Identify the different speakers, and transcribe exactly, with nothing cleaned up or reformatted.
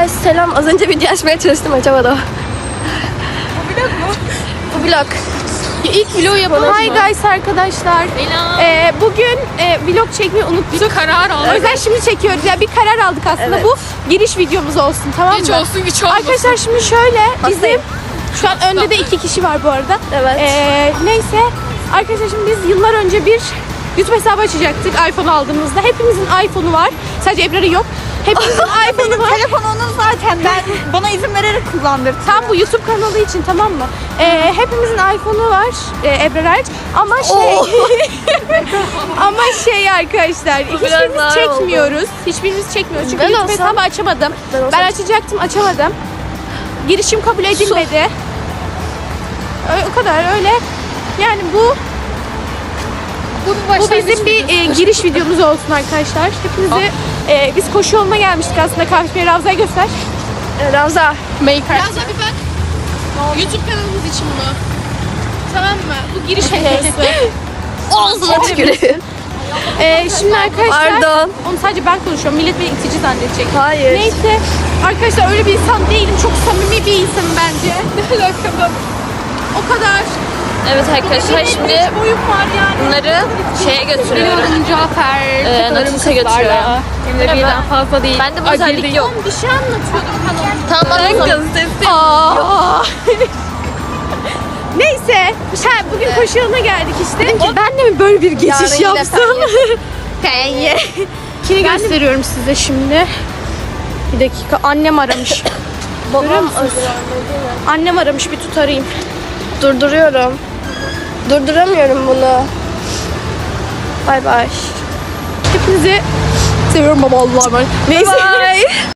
Speaker 1: guys selam. Az önce video açmaya çalıştım, açamadım.
Speaker 2: Bu vlog mu?
Speaker 1: Bu vlog. İlk vlog yapalım.
Speaker 2: Hi guys arkadaşlar. Ee, bugün e, vlog çekmeyi unuttuk.
Speaker 3: Bir karar aldık.
Speaker 2: O yüzden şimdi çekiyoruz. Yani bir karar aldık aslında.
Speaker 1: Evet.
Speaker 2: Bu giriş videomuz olsun, tamam mı?
Speaker 3: Hiç olsun hiç olmasın.
Speaker 2: Arkadaşlar şimdi şöyle bizim
Speaker 1: Hastayım.
Speaker 2: şu an önde de iki kişi var bu arada.
Speaker 1: Evet.
Speaker 2: Ee, neyse arkadaşlar şimdi biz yıllar önce bir YouTube hesabı açacaktık iPhone aldığımızda. Hepimizin iPhone'u var. Sadece Ebrar'ın yok. Hepimizin iPhone'u var.
Speaker 4: Telefon onun zaten. Ben bana izin vererek kullandırdım.
Speaker 2: Tam bu YouTube kanalı için, tamam mı? Ee, hepimizin iPhone'u var e, Ebrar hariç. Ama şey ama şey arkadaşlar hiçbirimiz
Speaker 1: daha
Speaker 2: çekmiyoruz. Hiçbirimiz çekmiyoruz. Çünkü
Speaker 1: Ben
Speaker 2: YouTube
Speaker 1: olsam-
Speaker 2: hesabı açamadım.
Speaker 1: Ben
Speaker 2: Ben,
Speaker 1: olsam-
Speaker 2: açacaktım, açamadım. Girişim kabul edilmedi. Ö- O kadar öyle. Yani bu bu bizim bir e, giriş videomuz olsun arkadaşlar. Hepinize e, biz koşu yoluna gelmiştik aslında. Kahve Ravza'ya göster.
Speaker 1: Ee, Ravza.
Speaker 2: Maker.
Speaker 3: Yazda bir bak. YouTube kanalımız için bunu.
Speaker 2: Tamam mı? Bu giriş videosu.
Speaker 1: Ağzına tüküreyim.
Speaker 2: Ee, şimdi arkadaşlar
Speaker 1: Pardon.
Speaker 2: onu sadece ben konuşuyorum. Millet beni itici zannedecek.
Speaker 1: Hayır.
Speaker 2: Neyse arkadaşlar öyle bir insan değilim. Çok samimi bir insanım bence. Ne alakalı? O kadar.
Speaker 5: Evet arkadaşlar şimdi
Speaker 2: boyum var yani.
Speaker 5: bunları şeye götürüyorum.
Speaker 2: Cafer.
Speaker 5: Ee, Natus'a götürüyorum.
Speaker 2: Hem de birden fazla değil.
Speaker 5: Bende bu özellik yok.
Speaker 2: Bir şey anlatıyordum kanalımda.
Speaker 5: Tamam anladım.
Speaker 2: Aa. Neyse, ha, bugün koşu yoluna geldik işte. Dedim ki ben de mi böyle bir geçiş
Speaker 1: Yarın yine
Speaker 2: yapsam? Ben ye. Kini gösteriyorum size şimdi. Bir dakika, annem aramış. Görüyor musunuz? Annem aramış, bir tut arayayım.
Speaker 1: Durduruyorum. Durduramıyorum bunu. Bay bay.
Speaker 2: Hepinizi seviyorum baba, Allah'a emanet. Neyse.
Speaker 1: Bye.